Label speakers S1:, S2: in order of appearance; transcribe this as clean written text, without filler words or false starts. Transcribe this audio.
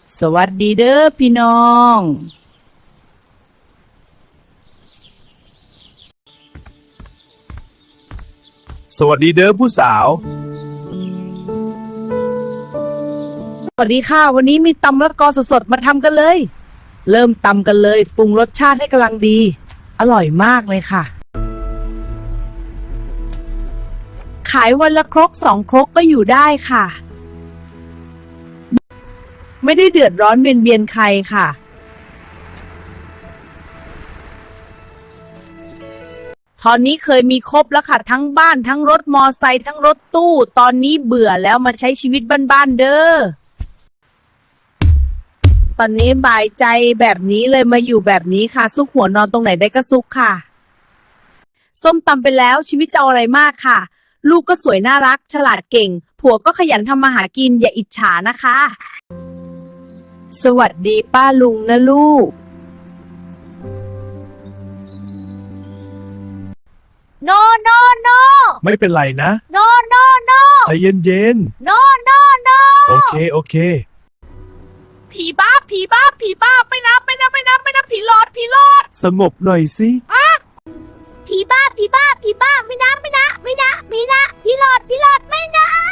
S1: สวัสดีเด้อพี่น้อง
S2: สวัสดีเด้อผู้สาว
S1: สวัสดีค่ะวันนี้มีตำมะละกอสดๆมาทำกันเลย เริ่มตำกันเลยปรุงรสชาติให้กำลังดี อร่อยมากเลยค่ะ ขายวันละครก2 ครกก็อยู่ได้ค่ะ ไม่ได้เดือดร้อนเบียนใครค่ะ ตอนนี้เคยมีครบแล้วค่ะทั้งบ้านทั้งรถมอไซค์ทั้งรถตู้ตอนนี้เบื่อแล้วมาใช้ชีวิตบ้านๆเด้อตอนนี้บ่ายใจแบบนี้เลยมาอยู่แบบนี้ค่ะซุกหัวนอนตรงไหนได้ก็ซุกค่ะส้มตำไปแล้วชีวิตจะเอาอะไรมากค่ะ ลูกก็สวยน่ารักฉลาดเก่งผัวก็ขยันทำมาหากินอย่าอิจฉานะคะ สวัสดีป้าลุงนะลูกโนโนโน
S2: ไม่เป็นไรนะ
S1: โนโนโน
S2: ใจเย็น
S1: โนโนโน
S2: ๆโอเค
S1: ผีบ้าผีบ้าผีบ้าไม่นับผีหลอด
S2: สงบหน่อยสิ
S3: ผีบ้าไม่นะผีหลอดไม่นะ